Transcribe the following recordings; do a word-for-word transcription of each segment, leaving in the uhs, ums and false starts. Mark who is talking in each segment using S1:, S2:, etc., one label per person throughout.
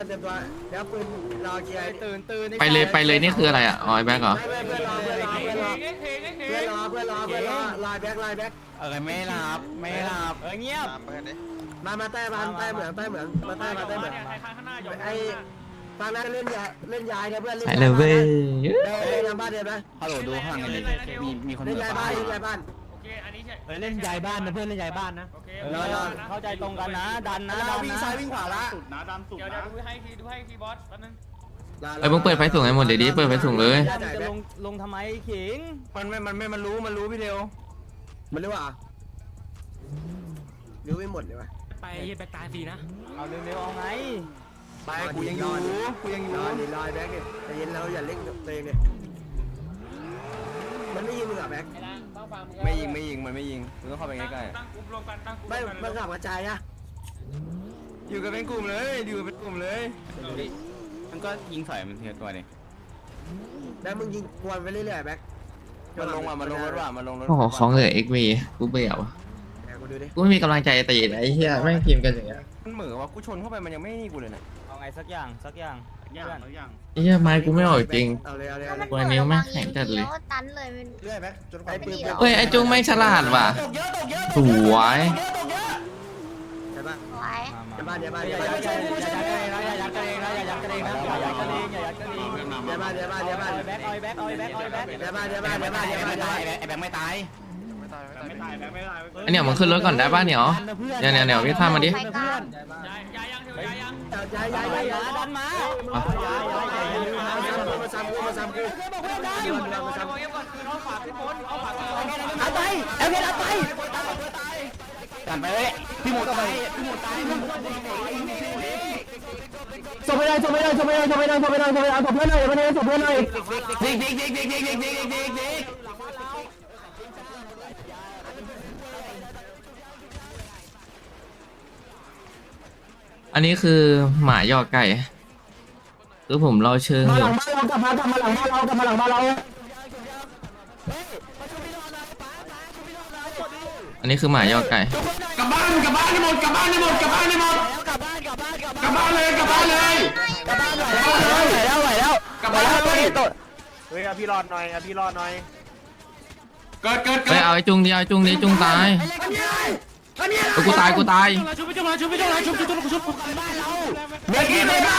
S1: เต็มตัวแล้วปืนรอเกียร์ตื่นตื่น
S2: ไปเลยไปเลยนี่คืออะไรอ่ะอ๋อไอ้แบ็คเหรอ
S1: เพื่อนรอเพื่อนรอเพื่อนรอเพื่อนรอเพื่อนรอเพื่อนรอลายแบ็คลายแบ็ค
S3: เออไม่หลับไม่หลับเออเงียบ
S1: มามาใต้บ้านใต้เหมืองใต้เหมืองมาใต้มาใต้เหมืองไอ้ฟังนะเล่นยาเล่นยายนะเพื่อน
S2: ไปเลยเว้ย
S1: เล่นยาบ้านเดียวนะ
S3: ฮัลโหลดูข้างในมีมีคน
S1: เล่นยาบ้านเล่นยาบ้าน
S3: เฮ้ยเล่นยายบ้านนะเพื่อนเล่นยายบ้านนะเข้าใจตรงกันนะดันนะดัน
S1: วิ่ง
S3: นะ
S1: ซ้ายวิ่งขวาละ
S4: สุดนะดันสุด
S5: เดี๋ยว
S4: นะ
S5: เดี๋ยวดูให้ทีดูให้ทีบอสแป๊บนึง
S2: ไอ้มึงเปิดไฟสูงให้หมดเดี๋ยวดิเปิดไฟสูงเลย
S3: จะลงลงทำไมขิงมันไม่มันไม่มันรู้มันรู้พี่เดียว
S1: มันรู้อ่ะรู้ไม่หมดเลยวะ
S5: ไปแบกตายฟรีนะ
S3: เอาเร็วๆเอาไง
S1: ไปกูยังอยู่กูยังอยู่รอดิรอแบ็คดิแต่เย็นเราอย่าเล่นตัวเองดิมันไม่ยิงมึงอ่ะแบ็ค
S5: ไอ้ล่างต้องฟังมึง
S3: ไม่ยิงไม่ยิงมันไม่ยิงมึงต้องเข้าไปใกล้
S5: ตั้งกลุ่มรวมกันตั้งกลุ่ม
S1: ไม่มันขับกระจายอะ
S3: ๆอยู่กันเป็นกลุ่มเลยอยู่กันเป็นกลุ่มเลยมันก็ยิงใส่มันทีละตัวนี่
S1: แล้วมึงยิงกวนไปเรื่อยๆแบ็ค
S3: มันลงอ่ะมันลงรถว่ะมันลงรถ
S2: โอ้โหของเหลือเอ็กวีกูเบื่อวะ
S1: แบ็คกูดูดิ
S2: กูไม่มีกำลังใจตีเลยไอ้เหี้ยแม่งทีมกันอย่างเงี้ย
S3: มันเหมือนว่ากูชนเข้าไปมันยังไม่นี่กูเลยนะเอาไงสักอย่างสักอย่าง
S4: อย่างแล้วอย่าง
S2: ไอ้เหี้ยไม้กูไม่ออกจริง
S1: เอาเลยเอาเลยเอาเลย
S2: วันนี้แม่งแข็งจัดเลย
S6: ตันเลยมัน
S1: เรื่อยแบ็คจนกว่าปืน
S2: เฮ้ยไอ้จุ้งแม่งฉลาดว่ะสวย
S1: ใช่ปะ
S6: ไว้
S1: ใช่ปะใช่ปะ
S3: อย่า
S1: ใช่
S3: ยัด
S1: ปะ
S3: กันเองนะอย่ายัดกันเองนะอย่ายัดกันเองนะอย่ายัดกันเองอย่ายัดกันเอง
S1: ใช่ปะใช่ปะใช่ปะ
S3: เอาแบ็คเอาแบ็คเอาแบ็คเอาแบ็ค
S1: ใช่ปะใช่ปะใช่ปะใช่ปะใช่ปะ
S3: ไอ้แบ็คไม่ตาย
S4: ไม่ตายแบบไม่ตาย
S2: ไอ้เนี่ยมึงขึ้นรถก่อนได้ป่ะเนี่ยเนี่ยเนี่ยเนี่ยพี่ท่ามาดิ
S6: ไปกลาง
S5: ยายยายยังเถอะยายยัง
S1: ย้ายย้ายย้ายย้าย
S3: ดันมา
S1: มาซ้ำกูมาซ้ำกู
S5: เดี๋ยวเดี๋ยวเดี๋ยวเดี๋ยวก่อนคือเอาฝากพี่โบ๊ทเอาฝากพี่โบ๊ท
S3: เอาไปเอาไปเอาไปกันไปเลยพี่หมูต้องไปพี่หมูตาย
S1: จบไม่ได้จบไม่ได้จบไม่ได้จบไม่ได้จบไม่ได้จบไม่ได้จบเพื่อนหน่อยวันนี้จบเพื่อนหน่อย
S3: ดิ๊กดิ๊กดิ๊กดิ๊กดิ๊กดิ๊กดิ๊กดิ๊กดิ๊กดิ๊ก
S2: อันนี้คือหมาย่อไก่คือผมเราเชิง
S1: มา
S2: อ
S1: หลั
S2: ยู่
S1: งบ้านเรากลับมากลับมาหลังบ้านเรากลับมาหลังบ้านเรา
S2: อันนี้คือหมาย่อไก่
S4: กลับบ้านกลับบ้านให้หมดกลับบ้านให้หมดกลับบ้านให้หมด
S3: กลับบ้านกลับบ้านกลับ
S4: กลับบ้านเลยกลับบ้านเลย
S3: กลับบ้านไหวแล้วไหวแล้ว
S4: กลับบ้านเลย
S1: เฮ้ยพี่รอดหน่อยพี่รอดหน่อย
S4: เกิดเกิดเกิ
S2: เฮ้ย
S4: ด
S2: เอาไอ้จุงดิเอาไอ้จุงดิจุงตายเออกูตายกูตาย
S5: ชุบไปชุบมาชุบไปชุบมาชุบชุบชุบชุบ
S3: เด็กที่ไม่บ้าน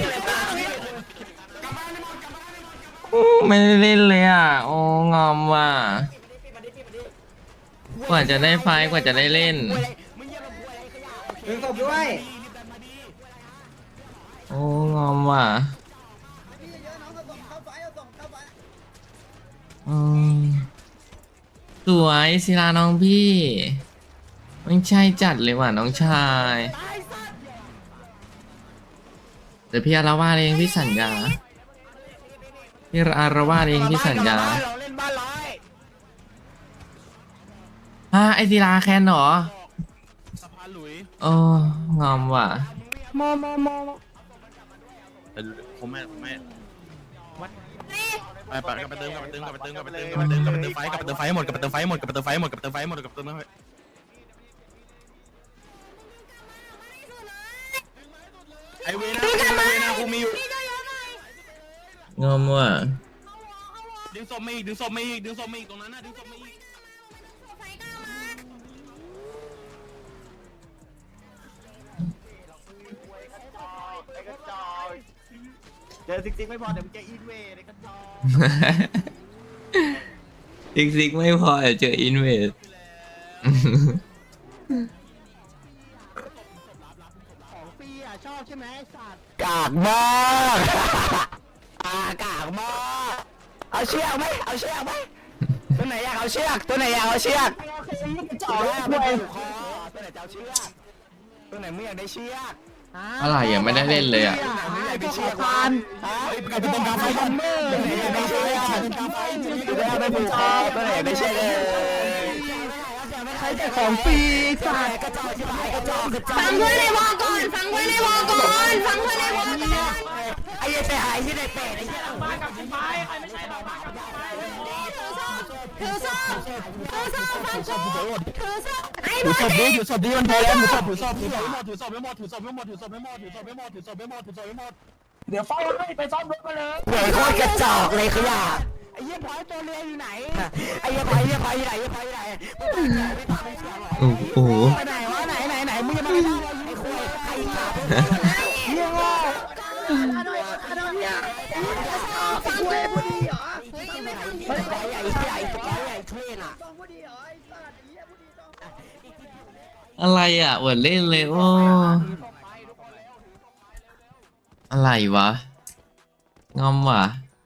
S2: ไม่ได้เล่นเลยอ่ะโอ้งอมว่ะกว่าจะได้ไฟกว่าจะได้เล่น
S1: ดึงศพด้วย
S2: โอ้งอมว่ะอืมสวยศิลาน้องพี่ไม่ใช่จัดเลยว่ะน้องชายเดี๋ยวพี่อารวาสเองพี่สัญญาพี่อารวาสเองพี่สัญญา
S3: เราเล่นบ้านร้อย
S2: ฮะไอศิลาแคนเหรอ
S4: สะพานหลุย
S2: โอ้งอมว่ะ
S3: มอมอมอ
S4: ผมไม่ผมไม่ไปไปกลับไปเติมกลับไปเติมกลับไปเติมกลับไปเติมกลับไปเติมกลับไปเติมไฟกลับไปเติมไฟหมดกลับไปเติมไฟหมดกลับไปเติมไฟหมดกลับไปเติมไฟหมดกลับไปเติมไฟหมดกลับไปเติมไฟไอเวนะไอเวนะกูมีอยู่
S2: งอมว่ะ
S4: ดึงศพมาอีกดึงศพมาอีกดึงศพมาอีกตรงนั้นนะดึงศพมาอีกเจอซิกซิกไม่พอเดี๋ยวมึงจะอินเวย์ในกระจอก
S2: ซิกซิกไม่พอเดี๋ยวเจออินเวส
S3: กากมากอากากมากเอาเชือกไหมเอาเชือกไหมตัวไหนอยากเอาเชือกตัวไหนอยากเอาเชือกจ่อแล้วไม่ผูกคอตัวไหนจะเอาเชือกตัวไหนไม่อยากได้เชือก
S2: อะไรยังไม่ได้เล่นเลยอ่ะ
S3: ไม่อยากได้เชือกมันไอ้เป็นกาไฟคอมเมอร์ตัวไหนอยากได้เชือกตัวไหนไม่ผูกคอตัวไหนอยากได้เชือกเลยใครแต่ของฟรีสัตว์กระจอกที่ไหนกระจอกกระจอก
S6: ฟังเพื่อนในวอก่อนฟังเพื่อนในวอก่อนฟังเพื่อนในวอก่อน
S3: ไอ้ยัยไปหายที่ไหนเป็ดไอ้ยัย
S5: มากับพี่ไม้ใครไม่ใช่เรามากับพี่ไม้
S6: นี่ถือศพถือซ่อมถือซ่อมฟังกูถือซ่อมไอ้
S3: ถื
S6: บ
S3: อ
S6: อ
S3: ศ
S6: ล
S3: พดิถือศพดิมันพอแล้วถือศพถือศพ
S4: ถื
S3: ถื
S4: อ
S3: อ
S4: ศ
S3: ศ
S4: พ
S3: พ
S4: ไม่หมดถือศพไม่หมดถือศพไม่หมดถือศพไม่หมดถือศพไม่หมดถือศพไม่หมดถือศพไม่หมด
S3: เดี๋ยวเฝ้าให้ไปซ่อมรถมาเลยเหนื่อยโคตรกระจอกเลยขยะไอ้เหี้ยพอยตัวเรืออยู่ไหนไอ้เหี้ยพอยเหี้ยพอยอยู่ไหนเหี้ยพอยอยู่ไหนไม่พาไม่เชื่อหรอ
S2: โอ้โห
S3: ไปไหนวะไหนไหนไหนมึงจะมาไอ้คุยไอ้ขาเหี้ยโง่
S6: ฟังกู
S3: ไอ้พอยใหญ่ใหญ่พอยใหญ่เทรนอ่ะ
S2: อะไรอ่ะอวดเล่นเลยโอ้อะไรวะงอมว่ะ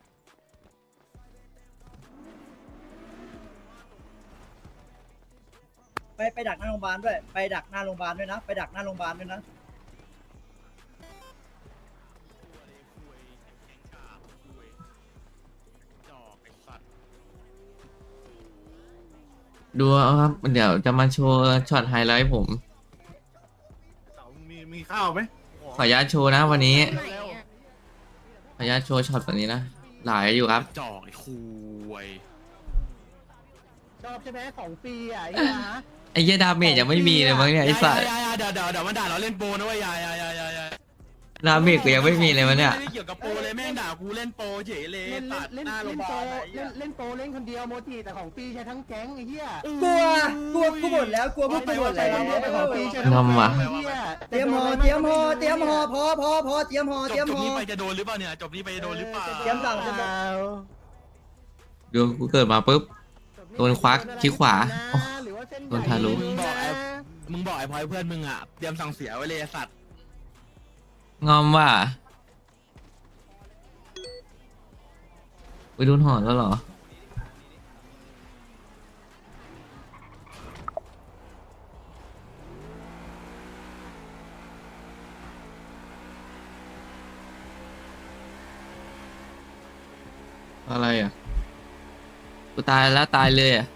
S7: ไปไปดักหน้าโรงพยาบาลด้วยไปดักหน้าโรงพยาบาลด้วยนะไปดักหน้าโรงพยาบาลด้วยนะ
S2: ดูเอาครับเดี๋ยวจะมาโชว์ช็อตไฮไลท์ผม
S4: มีมีข้าวไหม
S2: ขออนุญาตโชว์นะวันนี้ขออนุญาตโชว์ช็อตแบบนี้นะหลายอยู่ครับ
S4: จอกไอ้คุย
S3: ชอบใช่ไหมของฟรีอ่ะไอ้เหี้ยฮะ
S2: ไอ้เหี้ยดาเมจยังไม่มีเลยมั้งเนี่ยไอ้สัส
S4: ยายาเดี๋ยวเดี๋ยวเดี๋ยวมันด่าเราเล่นโปรนะเว้ยยายายายายา
S2: ดาเมจกูยังไม่มีเลยมั้งเนี่ย
S4: ไม่ได้เกี่ยวกับโปรเลยแม่งด่ากูเล่นโปรเฉยเลย
S3: เล่น
S4: ตัด
S3: เล่น
S4: หน้าโร
S3: เล่
S4: ง
S3: น
S4: พยา
S3: โป
S4: บาล
S3: เล่นเล่นโปเล่นคนเดียวโมจิแต่ของฟรีใช้ทั้งแก๊งไอ้เหี้ย
S7: กลัวกลัวกูหมดแล้วกลัวพวกกูหมดแล้ว
S3: ของฟรีใช้
S2: งอมว่ะ
S3: ไอ้เหี้ย
S7: เตรียมหอเตรียมหอเตรียมหอพอพอพอเตรียมหอ
S4: จ
S7: เตรีย
S4: บ
S7: ม
S4: จบ
S7: หอ
S4: นี้ไปจะโดนหรือเปล่าเนี่ยจบนี้ไปจะโดนหรือเปล่า
S7: เตรียมสั่งเตรียมสั่ง
S2: ดูกูเกิดมาปุ๊บ โดนควักคิ้วขวาโอ้
S3: หรือว่าเส้นใหญ่
S2: โดนทะลุ
S4: มึงบอกไอ้มึงบอกไอ้พลอยเพื่อนมึงอ่ะเตรียมสั่งเสียไว้เลยไอ้สัตว์
S2: งอมว่ะไปโดนหอนแล้วเหรออะไรอ่ะกูตายแล้วตายเลยอ่ะ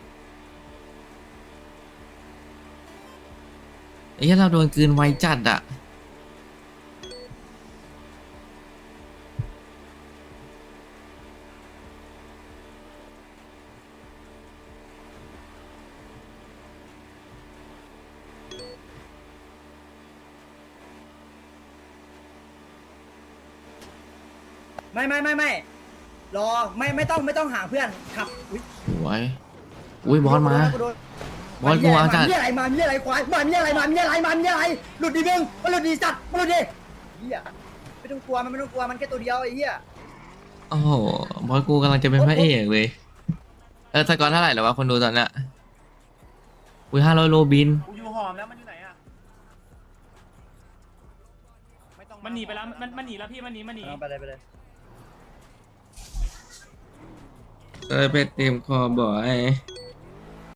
S2: ไอ้เหี้ยเราโดนกลืนไวจัดอ่ะ
S7: ไม่ไม่ไม่ไม่รอไม่ไม่ต้องไม่ต้องหาเพื่อนขับอุ๊ย
S2: สวยอุ้ยบอสมา
S7: กูโดน
S2: บอสกูเอาจัด
S7: มีอะไรมามีอะไรควายมามีอะไรมามีอะไรมามีอะไรหลุดดีมึงมันหลุดดีจัดมันหลุดดีเหี้ยไม่ต้องกลัวมันไม่ต้องกลัวมันแค่ตัวเดียวไอ้เหี้ย
S2: โอ้โหบอสกูกำลังจะเป็นพระเอกเลย เออสกอร์เท่าไหร่แล้ววะคนดูตอนเนี้ยอุ้ยห้าร้อยโลบิน
S5: กูอยู่หอมแล้วมันอยู่ไหนอ่ะมันหนีไปแล้วมันมันหนีแล้วพี่มันหนีมันหนี
S7: เอาไปเลยไปเลย
S2: เออไปเต็มคอบอย